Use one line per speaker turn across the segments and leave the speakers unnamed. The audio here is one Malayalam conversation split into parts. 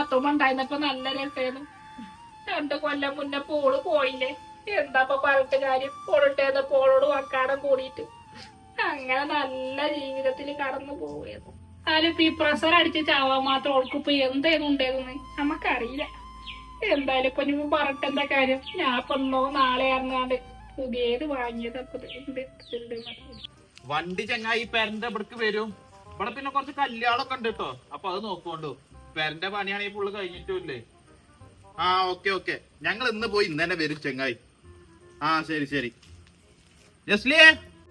നാത്തുമ്മ ഉണ്ടായിരുന്നപ്പോ നല്ല രസമായിരുന്നു. 2 കൊല്ലം മുന്നേ പോള് പോയില്ലേ. എന്താപ്പൊ പറഞ്ഞിട്ട് കാര്യം. പോളിട്ടേന്ന് പോളോട് വക്കാടം കൂടിയിട്ട് അങ്ങനെ നല്ല ജീവിതത്തിൽ കടന്നു പോവുകയായിരുന്നു. അതിലിപ്പോ ഈ പ്രഷർ അടിച്ച് ചാവാൻ മാത്രം ഓൾക്കിപ്പോ എന്തായിരുന്നു ഉണ്ടായിരുന്നു നമുക്കറിയില്ല. എന്തായാലും ഇപ്പൊ ഞാൻ പറഞ്ഞിട്ട് എന്താ കാര്യം. ഞാൻ ഇപ്പൊ നാളെ അറിഞ്ഞാണ്ട് പുതിയത് വാങ്ങിയതൊക്കെ
വണ്ടി ചങ്ങായി പെരന്റെ ഇവിടേക്ക് വരും. ഇവിടെ പിന്നെ കുറച്ച് കല്യാണൊക്കെ ഉണ്ട് കേട്ടോ. അപ്പൊ അത് നോക്കോണ്ടു. പെരന്റെ പണിയാണെങ്കിൽ ഫുള്ള് കഴിഞ്ഞിട്ടില്ലേ. ആ ഓക്കെ ഞങ്ങൾ ഇന്ന് പോയി ഇന്ന് തന്നെ വരും ചങ്ങായി. ആ ശരി ജസ്ലിയേ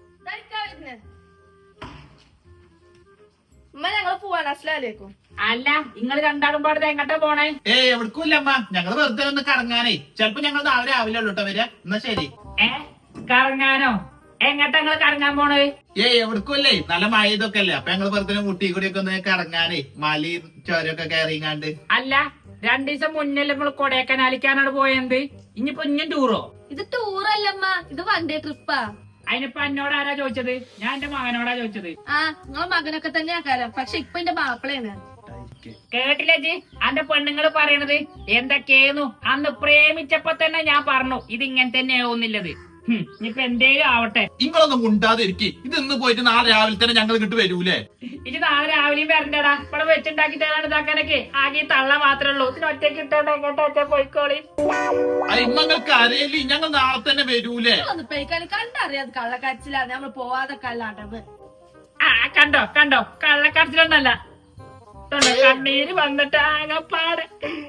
ഞങ്ങള് പോവാണ്. അസ്സലാമലൈക്കും.
അല്ല നിങ്ങൾ രണ്ടാളും പാടത്ത് എങ്ങോട്ടാ പോണേ?
എവിടക്കുമില്ല അമ്മ. ഞങ്ങള് വെറുതെ ഒന്ന് കറങ്ങാനേ. ചിലപ്പോ ഞങ്ങൾ നാളെ രാവിലെ ഉള്ളൂട്ടോ വരിക. എന്നാ ശരി.
കറങ്ങാനോ? എങ്ങട്ടാ നിങ്ങള് കറങ്ങാൻ പോണത്?
എവിടക്കുമല്ലേ, നല്ല മഴ ഇതൊക്കെ അല്ലേ. അപ്പൊ ഞങ്ങള് വെറുതെ മുട്ടി കൂടിയൊക്കെ ഒന്ന് കറങ്ങാനേ, മലയും ചോരൊക്കെ കയറിങ്ങാണ്ട്.
അല്ല 2 ദിവസം മുന്നല്ലേ നമ്മൾ കൊടൈക്കനാലിക്കാനാണ് പോയത്. ഇനിയിപ്പോ ഇഞ്ഞും ടൂറോ?
ഇത് ടൂറല്ലമ്മ, ഇത് വൺ ഡേ ട്രിപ്പാ.
അതിനിപ്പോ എന്നോട് ആരാ ചോദിച്ചത്? ഞാൻ എന്റെ മകനോടാ ചോദിച്ചത്.
ആ നിങ്ങളെ മകനൊക്കെ തന്നെ ആക്കാരം. പക്ഷെ ഇപ്പൊ എന്റെ മാപ്പിളയാണ്.
കേട്ടില്ലേ ജി അന്റെ പെണ്ണുങ്ങള് പറയണത് എന്തൊക്കെയായിരുന്നു? അന്ന് പ്രേമിച്ചപ്പോ തന്നെ ഞാൻ പറഞ്ഞു ഇത് ഇങ്ങനെ തന്നെ ആവുന്നില്ലത്. ഇനിയിപ്പൊ എന്തേലും ആവട്ടെ.
നിങ്ങളൊന്നും ഉണ്ടാതിരിക്കും. ഇത് ഇന്ന് പോയിട്ട് നാളെ രാവിലെ തന്നെ ഞങ്ങൾ ഇങ്ങോട്ട് വരൂലേ?
ഇത് നാളെ രാവിലെയും വരണ്ടടാ. ഇവിടെ വെച്ചുണ്ടാക്കി തരാണ് ഇതാക്കാനൊക്കെ. ആകെ തള്ള മാത്രമേ ഉള്ളൂ. ഇതിന് ഒറ്റയ്ക്ക് ഇട്ടോണ്ട് എങ്ങോട്ടാ പോയിക്കോളി.
നിങ്ങൾക്ക് അറിയില്ലേ, ഞങ്ങൾ നാളെ തന്നെ വരൂലേ?
കണ്ടറിയാത് കള്ളക്കാച്ചിലാണ് നമ്മൾ പോവാതെ കല്ലാണ്ടത്.
ആ കണ്ടോ കള്ളക്കടച്ചിലൊന്നല്ല. കണ്ണീര് വന്നിട്ട് ആകപ്പാട്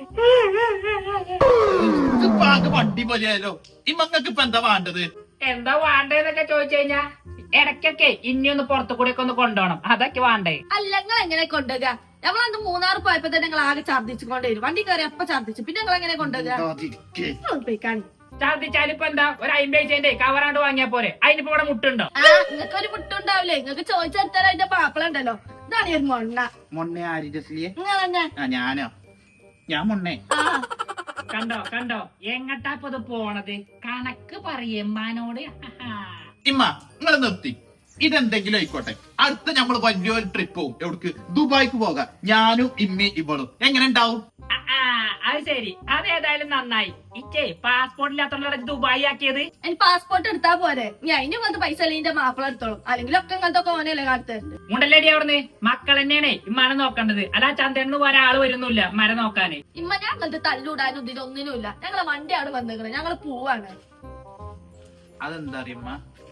വണ്ടി പോലെയാലോ. ഈ മക്കൾക്ക് ഇപ്പൊ എന്താ വേണ്ടത്?
എന്താ വേണ്ടതെന്നൊക്കെ ചോദിച്ചു കഴിഞ്ഞാ ഇടയ്ക്കൊക്കെ ഇനിയൊന്ന് പുറത്തു കൂടെ ഒക്കെ ഒന്ന് കൊണ്ടുപോകണം. അതൊക്കെ വേണ്ടേ?
അല്ല നിങ്ങൾ എങ്ങനെ കൊണ്ടുപോകുക? ഞങ്ങളന്ന് 3 പോയപ്പോ തന്നെ ഞങ്ങൾ ആകെ ഛർദ്ദിച്ചുകൊണ്ടേ വരും. വണ്ടി കയറി അപ്പൊ ഛർദ്ദിച്ചു. പിന്നെ ഞങ്ങൾ എങ്ങനെ കൊണ്ടുപോകുക?
ഛർദ്ദിച്ചാലിപ്പോ എന്താ ഒരു 50 പൈസേന്റെ കവറാണ്ട് വാങ്ങിയാ പോരെ? അതിനിപ്പോ ഇവിടെ മുട്ടുണ്ടോ?
നിങ്ങൾക്ക് ഒരു മുട്ടുണ്ടാവില്ലേ? നിങ്ങൾക്ക് ചോദിച്ചെടുത്താൽ അതിന്റെ പാപ്പളുണ്ടല്ലോ. ഇതാണ് ഒരു
മൊണ്ണെ ആര് ജസ്ലിയെ?
നിങ്ങൾ തന്നെ.
ഞാനോ? ഞാൻ മൊണ്ണേ.
കണ്ടോ എങ്ങട്ടാ ഇത് പോണത്? കണക്ക് പറയമ്മാനോട്.
ഇമ്മ നിങ്ങൾ നിർത്തി. ഇതെന്തെങ്കിലും ആയിക്കോട്ടെ. അടുത്ത നമ്മള് വലിയൊരു ട്രിപ്പ് പോകും. എവിടേക്ക്? ദുബായിക്ക് പോകാം. ഞാനും ഇമ്മി ഇവളും. എങ്ങനെ ഉണ്ടാവും?
അത് ശരി. അതേതായാലും നന്നായി. ഇച്ചേ പാസ്പോർട്ട് ഇല്ലാത്തോണ്ടാണ് ദുബായി ആക്കിയത്.
എനിക്ക് പാസ്പോർട്ട് എടുത്താ പോരെ. ഞാൻ അതിന് വന്ന് പൈസ അല്ലെങ്കിൽ മാപ്പിള എടുത്തോളും. അല്ലെങ്കിൽ ഒക്കെ ഇങ്ങനത്തെ ഓനല്ലേ കാട്ടുന്നുണ്ട്.
മുണ്ടല്ലേടി അവിടുന്ന് മക്കൾ തന്നെയാണ് ഇമ്മാനെ നോക്കേണ്ടത്. അല്ല ചന്തന്ന് ഒരാള് വരുന്നില്ല മര നോക്കാന്.
ഇമ്മ ഞാൻ അങ്ങനത്തെ തല്ലൂടാനും ഇതിലൊന്നിനുമില്ല. ഞങ്ങളെ വണ്ടി അവിടെ വന്നേക്കണേ. ഞങ്ങള് പോവാണ്.
അതെന്താ അറിയമ്മ?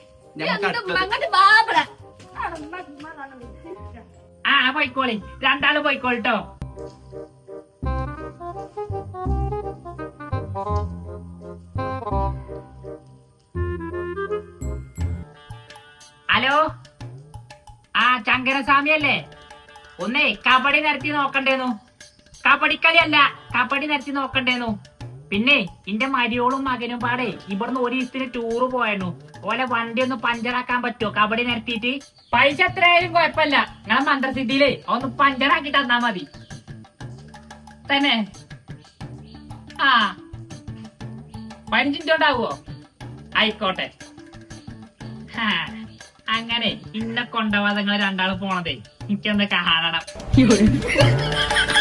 പോയിക്കോളി. രണ്ടാള് പോയിക്കോളിട്ടോ. ഹലോ, ചങ്കരസ്വാമി അല്ലേ? ഒന്നേ കബഡി നിരത്തി നോക്കണ്ടേന്നു. കബഡിക്കളി അല്ല, കബഡി നിരത്തി നോക്കണ്ടേന്നു. പിന്നെ എന്റെ മരിയോളും മകനും പാടെ ഇവിടുന്ന് 1 ദിവസത്തിന് ടൂറ് പോയിരുന്നു. ഓലെ വണ്ടി ഒന്ന് പഞ്ചറാക്കാൻ പറ്റുമോ കബഡി നിരത്തിയിട്ട്? പൈസ എത്രയായാലും കുഴപ്പമില്ല. നിങ്ങളെ മന്ത്രസിദ്ധിയിലേ ഒന്ന് പഞ്ചറാക്കി തന്നാ മതി. തന്നെ 15 മിനിറ്റ് ഉണ്ടാവുമോ? ആയിക്കോട്ടെ. അങ്ങനെ ഇന്നെ കൊണ്ടുപോവാതെ നിങ്ങൾ രണ്ടാളും പോണതേ എനിക്കൊന്ന് കാണണം.